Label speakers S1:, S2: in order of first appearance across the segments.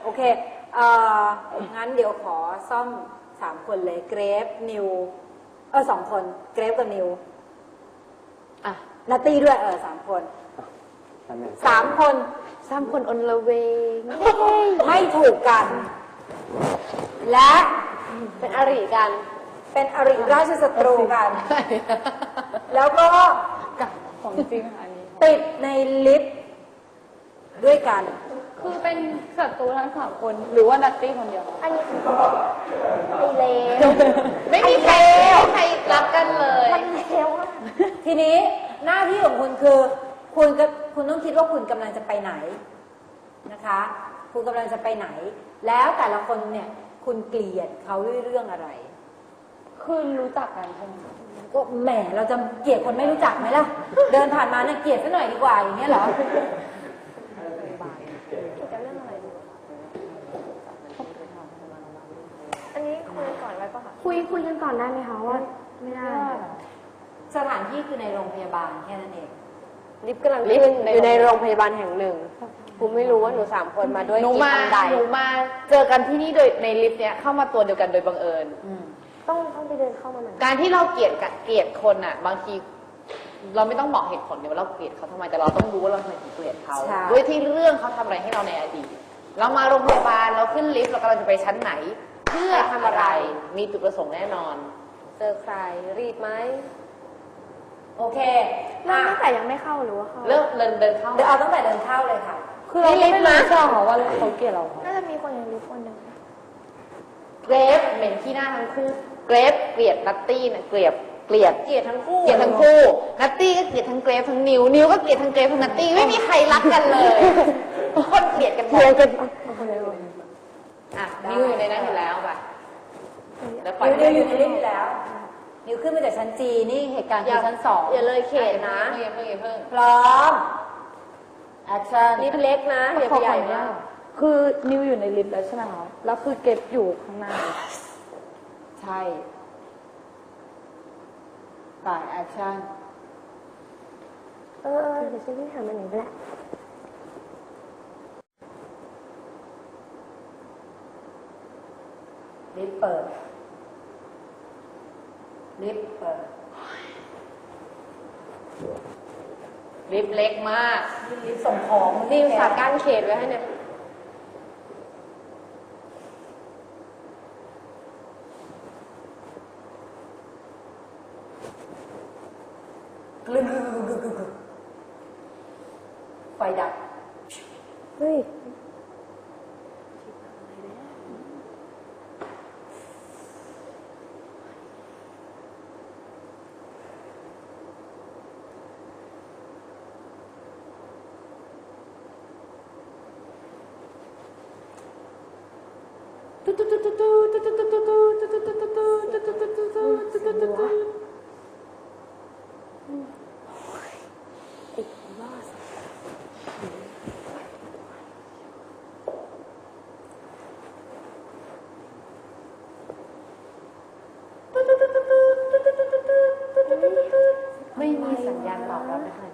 S1: โอเคงั้นเดี๋ยวขอซ่อม3 คนเลยเกรฟนิว2 คนเกรฟกับนิวนัตตี้ด้วย3 คน3 คน
S2: 3 คนอนละเวง
S1: ไม่ถูกกันและ
S2: เป็นอริกัน
S1: เป็นอริราชศัตรูกันแล้วก็
S2: ของจริงค่ะอันนี้
S1: ติดในลิฟต์ด้วยกัน
S2: คือเป็นศัตรูทั้ง3 คนหรือว่านัตตี้คนเดียว
S3: อันนี้ไอเลว
S2: ไม่มีใครรักกันเลย
S3: มันเลว
S1: ทีนี้หน้าที่ของคุณคือคุณต้องคิดว่าคุณกำลังจะไปไหนนะคะคุณกำลังจะไปไหนแล้วแต่ละคนเนี่ยคุณเกลียดเขาด้วยเรื่องอะไร
S2: คือรู้จักกันใช่ไหม
S1: ก็แหมเราจะเกลียดคนไม่รู้จักไหมล่ะเดินผ่านมาเนี่ยเกลียดซะหน่อยดีกว่าอย่างเงี้ยเหรอ
S3: จะเรื่องอะไรดีอันนี้คุยก่อนไว้ป่ะคะคุยกันก่อนได้ไหมคะว่าไม่ได้
S1: สถานที่คือในโรงพยาบาลแค่นั้นเอง
S2: ลิฟต์กำลังขึ้นอยู่ในโรงพยาบาลแห่งหนึ่งกูไม่รู้ว่าหนู3 คนมาด้วยกี่อันใดหนูมาเจอกันที่นี่โดยในลิฟต์เนี้ยเข้ามาตัวเดียวกันโดยบังเอิญ
S3: ต้องไปเดินเข้ามาเหมือน
S2: การที่เราเกลียดคนอ่ะบางทีเราไม่ต้องบอกเหตุผลเดี๋ยวเราเกลียดเขาทำไมแต่เราต้องรู้ว่าเราทำไมถึงเกลียดเขาด้วยที่เรื่องเขาทำอะไรให้เราในอดีตเรามาโรงพยาบาลเราขึ้นลิฟต์เรากำลังจะไปชั้นไหนเพื่อทำอะไรมีจุดประสงค์แน่นอนเจอใครรีดไหม
S1: โอเค
S3: ตั้งแต่ยังไม่เข้าหรือว่าเข้า
S2: เริ่มเดินเข้า
S1: เอาตั้งแต่เดินเข้าเลยค่ะ
S2: คือเราไม่รู้จักเขาว่าเขาเกลียดเรา
S3: น่าจะมีคนในลิฟต์คนหนึ่ง
S2: เกรฟเหม็นขี้หน้าทั้งคู่เกรฟเกลียดนัตตี้นะเกลียดทั้งคู่นัตตี้ก็เกลียดทั้งเกรฟทั้งนิวก็เกลียดทั้งเกรฟทั้งนัตตี้ไม่มีใครรักกันเลยคนเกลียดกันหมดนิวอยู่ในนั้นอยู่แล้วป่ะ
S1: นิวอยู่ในลิฟต์แล้วนิวขึ้นมาจากชั้นจีนี่เหตุการณ์คือชั้น2
S2: อย่าเลยเขตนะอย่าเพิ่ง
S1: พร้อมแอคชั่น
S2: ลิฟต์เล็กนะอย่าไปใหญ่มาก
S4: คือนิวอยู่ในลิฟต์แล้วใช่ไหมคะแล้วคือเก็บอยู่ข้างหน้า
S1: ใช่ป่ายแอคชั่น
S3: เดี๋ยวฉันวิ่งหามันหนึ่งไปละ
S1: ลิฟต์เปิดลิฟต์
S2: เล็กมาก
S1: ลิฟต์ส่งของ
S2: นี่ฝากกั้นเขตไว้ให้เนี่ย
S1: ไฟดับ
S3: เฮ้ย
S2: ไม่มีสัญญาณตอบรับนะคะ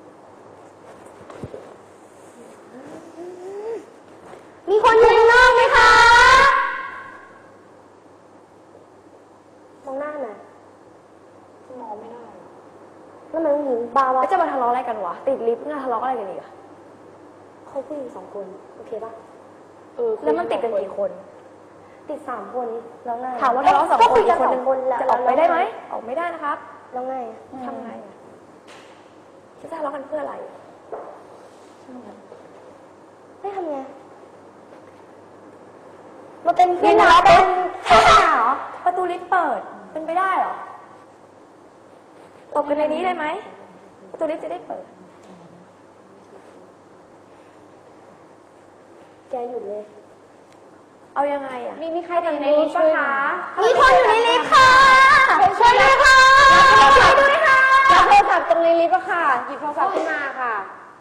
S3: มีคนอยู่ข้างนอกไหมคะมองหน้าหน่อย
S2: มองไม่ได้
S3: แล้วมันหญิงบาวะจะมาทะเลาะอะไรกันวะติดลิฟต์น่าทะเลาะอะไรกันอีกอะเขาผู้หญิง2 คนโอเคปะแล้วมันติดกันกี่คนติด3 คนแล้วไงถามว่าทะเลาะ2 คนอีกคนนึงจะออกไปได้ไหมออกไม่ได้นะครับแล้วไงทำไงจะทะเลาะกันเพื่ออะไรไม่ทำไงมาเป็นเพื่อนเป็นทหารเหรอประตูลิฟต์เปิดเป็นไปได้เหรอตบกันในนี้ได้ไหมประตูลิฟต์จะได้เปิดแกหยุดเลยเอายังไงอ่ะ
S2: มีใครอยู่ในลิฟต์ปะคะ
S3: มีคนอยู่ในลิฟต์ค่ะช่วยด้วยค่ะช่วยด้วยค่ะ
S2: รับโทรศัพท์ตรงในลิฟต์ค่ะหยิบโทรศัพท์ขึ้นมาค่ะ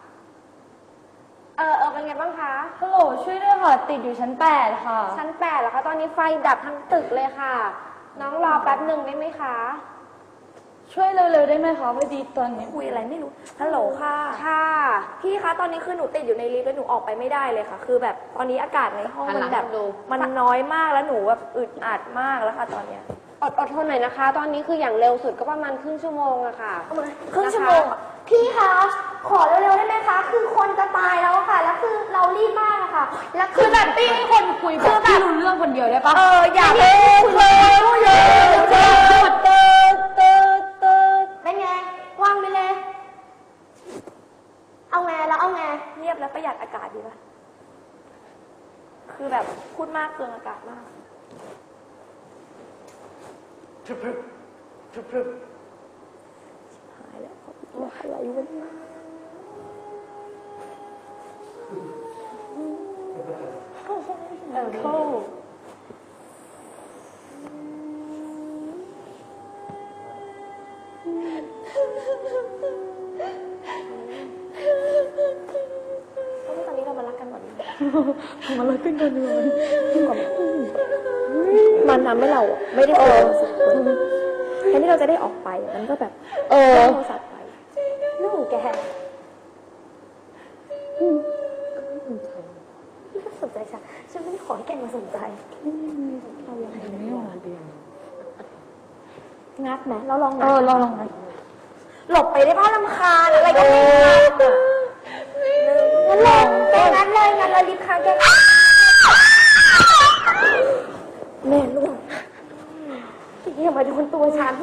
S2: เป็นไงบ้างคะ
S4: ฮัลโหลช่วยด้วยค่ะติดอยู่ชั้น8ค่ะ
S2: ชั้น8เหรอคะตอนนี้ไฟดับทั้งตึกเลยค่ะน้องรอแป๊บหนึ่งได้ไหมคะ
S4: ช่วยเร็วๆได้ไหมคะพอดีตอนนี้
S3: คุยอะไรไม่รู้ ฮัลโหลค่ะ
S5: ค่ะ
S3: พี่คะ ตอนนี้คือหนูติดอยู่ในลิฟต์แล้วหนูออกไปไม่ได้เลยค่ะ คือแบบตอนนี้อากาศในห้อง
S2: หัน
S3: มั
S2: หลั
S3: น
S2: ง
S3: แบบ
S2: ดู
S3: มันน้อยมากแล้วหนูแบบอึดอัดมากแล้วค่ะตอนเนี้ย
S5: อดทนหน่อยนะคะ ตอนนี้คืออย่างเร็วสุดก็ประมาณครึ่งชั่วโมงอะค่ะ
S3: ครึ่งชั่วโมงอะพี่คะ ขอเร็วๆได้ไหมคะ คือคนจะตายแล้วค่ะ แล้วคือเรารีบมากอะค่ะ แล้วคือแบบพี่ให้คนคุยแบบพี่รู้เรื่องคนเดียวได้ปะอย่าเพิ่งเลยเป็นไงว่างไปเลย เอาไงแล้วเอาไงเงียบแล้วประหยัดอากาศดีปะคือแบบพูดมากเกินอากาศมากหายแล้วอะไรวะเนี่ยเข้าตอนนี้เรามารักกันก่อนดีมารักกันก่อนดีกว่ามันทำให้เราไม่ได้เจอแทนที่เราจะได้ออกไปมันก็แบบโทรศัพท์ไปเรื่องของแกพี่ก็สนใจฉันไม่ได้ขอให้แกมาสนใจเรายังไม่ออกงัดไหมเราลองงัด
S4: ลองนะ
S3: หลบไปได้บ้างรำคาญอะไรก็ไม่งัดอ่ะงั้นลองแกงัดเลยงัดแล้วรีบค้างแกแม่ลูกพี่อย่ามาโดนตัวฉัน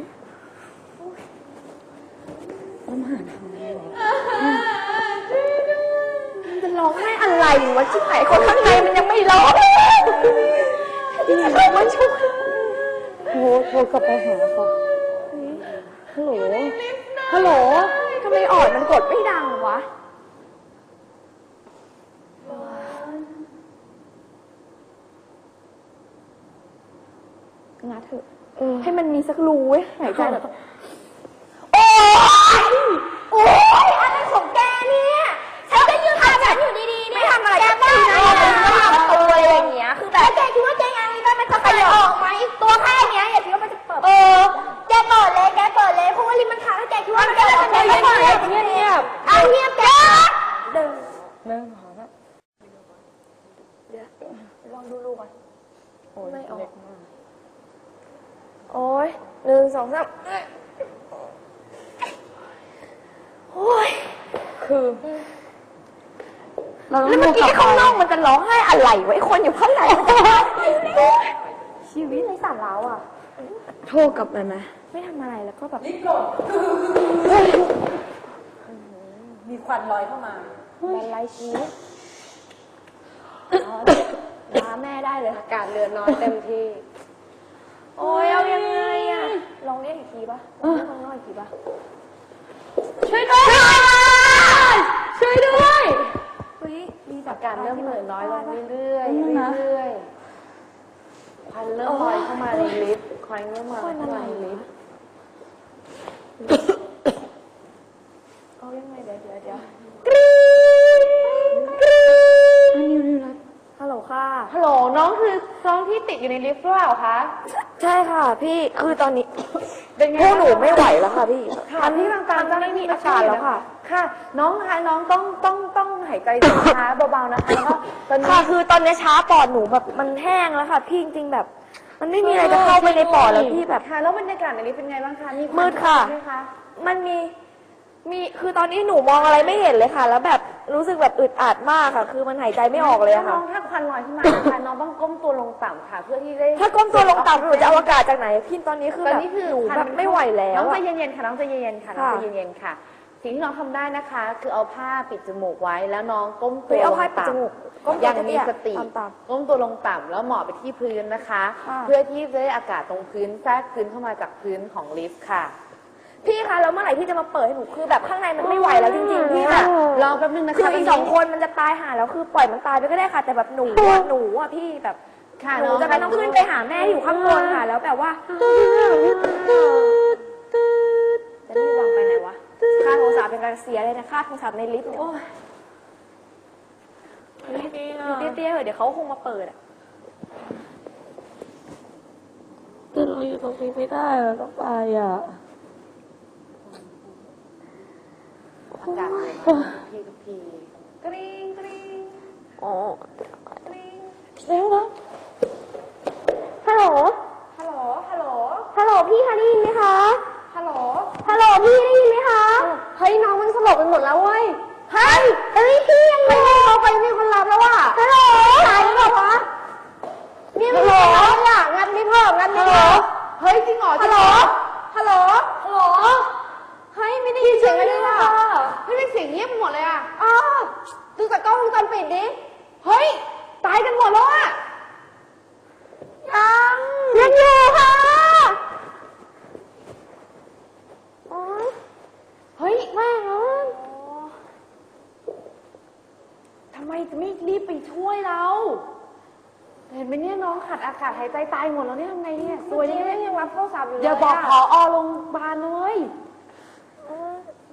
S3: มันจะร้องไห้อะไรวะชิบหายคนข้างในมันยังไม่ร้องที่จะเข้ามาช่วย
S4: โทรกลับไปหาค่ะฮัลโหล ฮัลโหล
S3: ทำไมออดมันกดไม่ดังวะงัดเถอะให้มันมีสักรูไว้หายใจแบบโอ๊ยอะไรของแกเนี่ยฉันก็ยืนทำฉันอยู่ดีๆเนี่ยไม่ทำอะไรแกบ้านะตัวอะไรอย่างเงี้ยคือแบบแกคิดว่าแกยังไงได้มันจะเปิดออกไหมตัวแค่เนี้ยอย่าคิดว่ามันจะเปิดแกเปิดเลยเพราะว่าลิมมันค้างแล้วแกคิดว่ามันจะเปิดเงียบเอาเงียบแกเดินหอนะเดี๋ยวลองดูลูกก่อนไม่ออกโอ้ย1 2 3โอ้ยคือแล้วเมื่อกี้ข้างนอกมันจะร้องไห้อะไรวะไอ้คนอยู่ข้างในชีวิตในสารแล้วอ่ะโทรกลับไปไหมไม่ทำอะไรแล้วก็แบบรีบหลบ
S1: มีควันลอยเข้ามา
S3: แบนไลชีวิตมาแม่ได้เลย
S5: อากาศเหลือน้อยเต็มที่
S3: โอ้ยเอายังไงอ่ะลองเรียกอีกทีป่ะลองเรียกข้างนอกอีกทีป่ะช่วยด้วยเฮ้ยมีแบบ
S5: อากาศเริ่มเหลือน้อยลงเรื่อยๆเรื่อยๆควันเริ่มลอยเข้ามาในลิฟต์ควันเริ่มมาเข้ามาในลิฟต์
S3: เอายังไงเดี๋ยวฮัลโหลค่ะ
S5: ฮัลโหลน้องคือน้องที่ติดอยู่ในลิฟต์หรือเปล่าคะ
S3: ใช่ค่ะพี่คือตอนนี้
S5: เป็นไง
S3: พวกหนูไม่ไหวแล้วค่ะพี่
S5: ค่ะที่ทางการจะไม่มีอาการแล้วค่ะ ค่ะ น้องคะน้องต้องหายใจช้าเบาๆนะคะแล้วก็ตอนนี้
S3: ค่ะคือตอนนี้ช้าปอดหนูแบบมันแห้งแล้วค่ะพี่จริงๆแบบ มันไม่มีอะไรจะเข้าไปในปอดแล้วพี่แบบ
S5: ค่ะแล้วบรรยากาศในลิฟต์เป็นไงบ้างคะมี
S3: มืดค่ะ
S5: ไหมคะ
S3: มันมีคือตอนนี้หนูมองอะไรไม่เห็นเลยค่ะ แล้วแบบรู้สึกแบบอึดอัดมากค่ะ คือมันหายใจไม่ออกเลยอะค่ะ
S5: น้องถ้าควันลอยขึ้นมานะคะน้องต้องก้มตัวลงต่ำค่ะ เพื่อที่ได้
S3: ถ้าก้มตัวลงต่ำหนูจะเอาอากาศจากไหนพี่ตอนนี้คือ
S5: ตอน
S3: แบบ
S5: นี้คือ
S3: หนูแบบไม่ไหวแล้ว
S5: น้องใจ
S3: อะ
S5: เย็นๆค่ะน้องใจเย็นๆค่ะน้องใจเย็นๆค่ะ สิ่งที่น้องทำได้นะคะ คือเอาผ้าปิดจมูกไว้แล้วน้องก้มตัว
S3: เอา
S5: ลง
S3: ผ้าปิดจ
S5: ต่ำ
S3: มูกก้มตัว
S5: อย่างมีสติ
S3: ต่ำ
S5: ก้มตัวลงต่ำแล้วหมอบไปที่พื้นนะคะ
S3: ค่ะ
S5: เพื่อที่จะได้อากาศตรงพื้นแทรกพื้นเข้ามาจากพื้นของลิฟต์ค่ะ
S3: พี่คะแล้วเมื่อไหร่พี่จะมาเปิดให้หนูคือแบบข้างในมันไม่ไหวแล้วจริงๆพี่แบบ
S5: รอแป๊บนึงนะคะ
S3: คืออีก2 คนมันจะตายหาแล้วคือปล่อยมันตายไปก็ได้ค่ะ แต่แบบหนูอ่ะพี่แบบ
S5: ค่ะ
S3: หนูจะไม่ต้องขึ้นไปหาแม่อยู่ข้างบนค่ะแล้วแบบว่าจะรีบวางไปไหนวะค่าโทรศัพท์เป็นการเสียเลยนะค่าโทรศัพท์ในลิฟต์เนี่ยอยู่เตี้ยๆเหอะเดี๋ยวเขาคงมาเปิดอ่ะ
S4: แต่เราอยู่ตรงนี้ไม่ได้เราต้องไปอ่ะ
S2: อากาศเลยพี่กับพี่กริ๊งกริ๊ง
S3: อ๋อก
S2: ริ๊ง
S4: เร็วนะ
S3: ฮัลโหล
S2: ฮัลโหลฮัลโหล
S3: ฮัลโหลพี่คะได้ยินไหมคะ
S2: ฮัลโหล
S3: ฮัลโหลพี่ได้ยินไหมคะ เฮ้ยน้องมันสลบไปหมดแล้วเว้ย เฮ้ยพี่ยังไงเราไปมีคนรับแล้วว่ะฮัลโหลหายแล้วเหรอวะนี่มันรับอ่ะงัดไม่เพิ่มงัดไม่เพิ่ม
S2: เฮ้ยจริงเหรอ
S3: ฮัลโหล
S2: ฮัลโหล
S3: ฮัลโหล เฮ้ยไม่ได้ยินเสียงอะไรเลยว่ะ
S2: เฮ้ยเป็นเสียงเงียบไปหมดเลยอ่ะ
S3: อ้าวดูจากกล้องวงจรปิดดิ
S2: เฮ้ยตายกันหมดแล้วอ่ะ
S3: ยังอยู่ค่ะโอ๊ย
S2: เฮ้ย
S3: แม่งเอ้ย
S2: ทำไมจะไม่รีบไปช่วยเรา เห็นไหมเนี่ยน้องขาดอากาศหายใจตายหมดแล้วเนี่ยทำไงเนี่ย
S3: ตัวนี้ยังรับโทรศัพท์อยู่เลย
S2: อย่าบอกผอโรงพยาบาลเลย
S3: ไ